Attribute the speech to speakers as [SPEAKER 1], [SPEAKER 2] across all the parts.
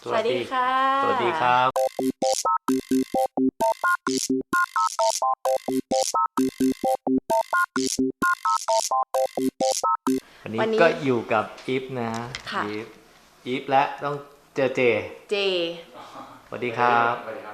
[SPEAKER 1] สวัสดีค่ะ
[SPEAKER 2] สวัสดีครับวันนี้ก็อยู่กับอีฟนะอีฟและต้องเจอเจสวัสดีครับ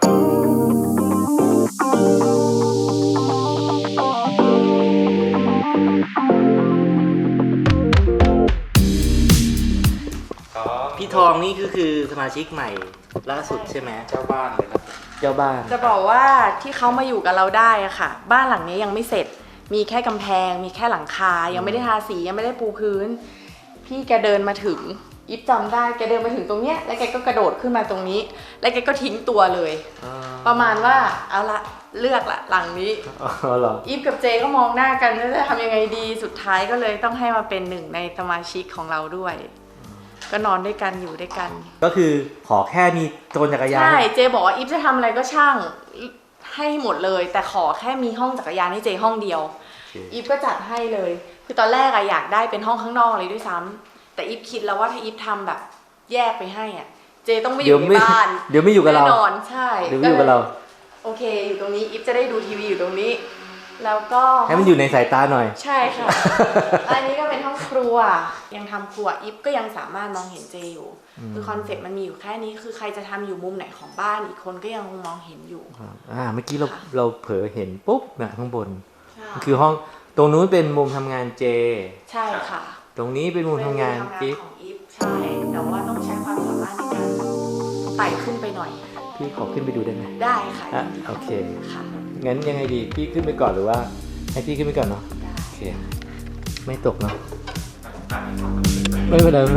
[SPEAKER 2] พี่ทองนี่คือสมาชิกใหม่ล่าสุดใช่ไหมเจ้าบ้านเลยนะเจ้าบ้าน
[SPEAKER 1] จะบอกว่าที่เขามาอยู่กับเราได้อะค่ะบ้านหลังนี้ยังไม่เสร็จมีแค่กำแพงมีแค่หลังคายังไม่ได้ทาสียังไม่ได้ปูพื้นพี่แกเดินมาถึงอิฟจำได้แกเดินมาถึงตรงเนี้ยแล้วแกก็กระโดดขึ้นมาตรงนี้แล้วแกก็ทิ้งตัวเลยประมาณว่าเอาละเลือกละหลังนี้อีฟกับเจก็มองหน้ากันว่าจะทำยังไงดีสุดท้ายก็เลยต้องให้มาเป็นหนึ่งในสมาชิกของเราด้วยก็นอนด้วยกันอยู่ด้วยกัน
[SPEAKER 2] ก็คือขอแค่มีโซนจักรยาน
[SPEAKER 1] ใช่เจบอกว่าอีฟจะทำอะไรก็ช่างให้หมดเลยแต่ขอแค่มีห้องจักรยานให้เจห้องเดียวอีฟก็จัดให้เลยคือตอนแรกอะอยากได้เป็นห้องข้างนอกเลยด้วยซ้ำแต่อีฟคิดแล้วว่าถ้าอีฟทำแบบแยกไปให้อะเจต้องไม่อยู่ในบ้าน
[SPEAKER 2] เดี๋ยวไม่อยู่กับเรา
[SPEAKER 1] แน่นอนใช่
[SPEAKER 2] เดี๋ยวไม่อยู่กับเรา
[SPEAKER 1] โอเคอยู่ตรงนี้อีฟจะได้ดูทีวีอยู่ตรงนี้แล้วก็
[SPEAKER 2] ให้มันอยู่ในสายตาหน่อย
[SPEAKER 1] ใช่ค่ะอันนี้ก็เป็นห้องครัวยังทำครัวอีฟก็ยังสามารถมองเห็นเจอยู่คือคอนเซ็ปต์มันมีอยู่แค่นี้คือใครจะทำอยู่มุมไหนของบ้านอีกคนก็ยังคงมองเห็นอยู่
[SPEAKER 2] เมื่อกี้เราเผลอเห็นปุ๊บนะข้างบนคือห้องตรงนู้นเป็นมุมทำงานเจ
[SPEAKER 1] ใช่ค่ะ
[SPEAKER 2] ตรงนี้เป็นมุมทำงาน
[SPEAKER 1] อีฟใช่แต่ว่าต้องใช้ความสามารถในการไต่ขึ้นไปหน่อย
[SPEAKER 2] พี่ขอขึ้นไปดูได้ไหม
[SPEAKER 1] ได้ค่ะ
[SPEAKER 2] โอเค
[SPEAKER 1] ค่ะ
[SPEAKER 2] งั้นยังไงดีพี่ขึ้นไปก่อนหรือว่าให้พี่ขึ้นไปก่อนเนาะโอเคไม่ตกเนาะไม่เป็นไรก็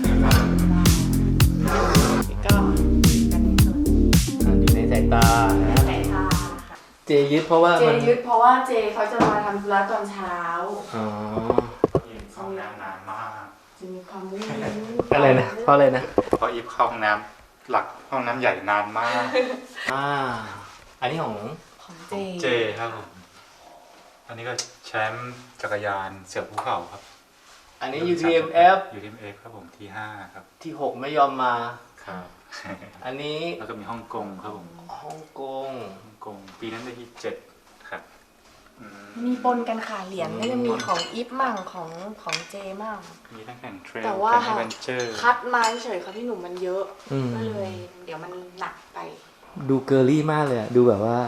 [SPEAKER 2] อยู่ในสายตานะเจยึดเพราะว่า
[SPEAKER 1] เจเขาจะมาทำธุระตอนเช้า
[SPEAKER 3] เข้าห้องน้ำนานมาก
[SPEAKER 1] จะมีความวุ่น
[SPEAKER 2] อะไรนะเพราะอะไรนะ
[SPEAKER 3] เพราะอีฟเข้าห้องน้ำหลักห้องน้ำใหญ่นานมาก
[SPEAKER 2] อันนี้ของ
[SPEAKER 3] เจครับผมอันนี้ก็แชมป์จักรยานเสือภูเขาครับ
[SPEAKER 2] อันนี้ UTMF
[SPEAKER 3] ครับผมที่5ครับ
[SPEAKER 2] ที่6ไม่ยอมมา
[SPEAKER 3] ครับ
[SPEAKER 2] อันนี้
[SPEAKER 3] แล้วก็มีฮ่องกงครับผม
[SPEAKER 2] ฮ่องกง
[SPEAKER 3] ปีนั้นได้ที่7ครับ
[SPEAKER 1] มีปนกันค่ะเหรียญก็จะมีของอีฟมั่งของเจมั่ง
[SPEAKER 3] มีทั้งแข่งเทรล
[SPEAKER 1] แต่ว่าคัดมาเฉยๆค่ะพี่หนุ่มมันเยอะก็เลยเดี๋ยวมันหนักไป
[SPEAKER 2] ดูเกอร์ลี่มากเลยดูแบบว่า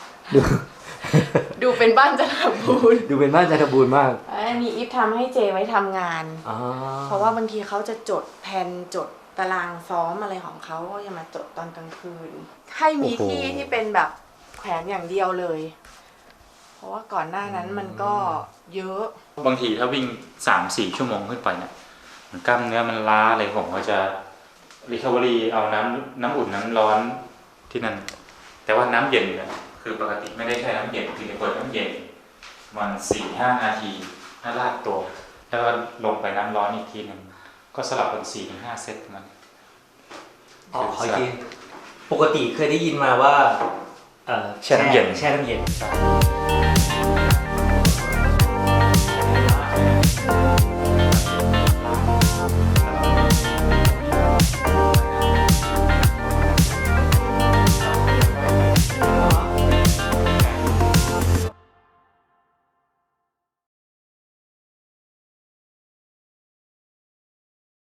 [SPEAKER 1] ดูเป็นบ้านจันทบูรณ์
[SPEAKER 2] ดูเป็นบ้านจันทบูรณ์มาก
[SPEAKER 1] อันนี้อีฟทำให้เจไว้ทำงานเพราะว่าบางทีเขาจะจดแผนจดตารางซ้อมอะไรของเขาก็จะมาจดตอนกลางคืนให้มีที่เป็นแบบแขวนอย่างเดียวเลยเพราะว่าก่อนหน้านั้นมันก็เยอะ
[SPEAKER 3] บางทีถ้าวิ่ง 3-4 ชั่วโมงขึ้นไปเนี่ยกล้ามเนื้อมันล้าเลยผมก็จะรีคาเวอรี่เอาน้ำอุ่นน้ำร้อนที่นั่นแต่ว่าน้ำเย็นเนี่ยคือปกติไม่ได้ใช้น้ำเย็นคือจะเปิดน้ำเย็นมัน 4-5 นาทีให้ลากตัวแล้วก็ลงไปน้ำร้อนอีกทีหนึ่งก็สลับเป็น 4-5 เซตมัน
[SPEAKER 2] ขอยินปกติเคยได้ยินมาว่า
[SPEAKER 3] แช่น้ำเย็น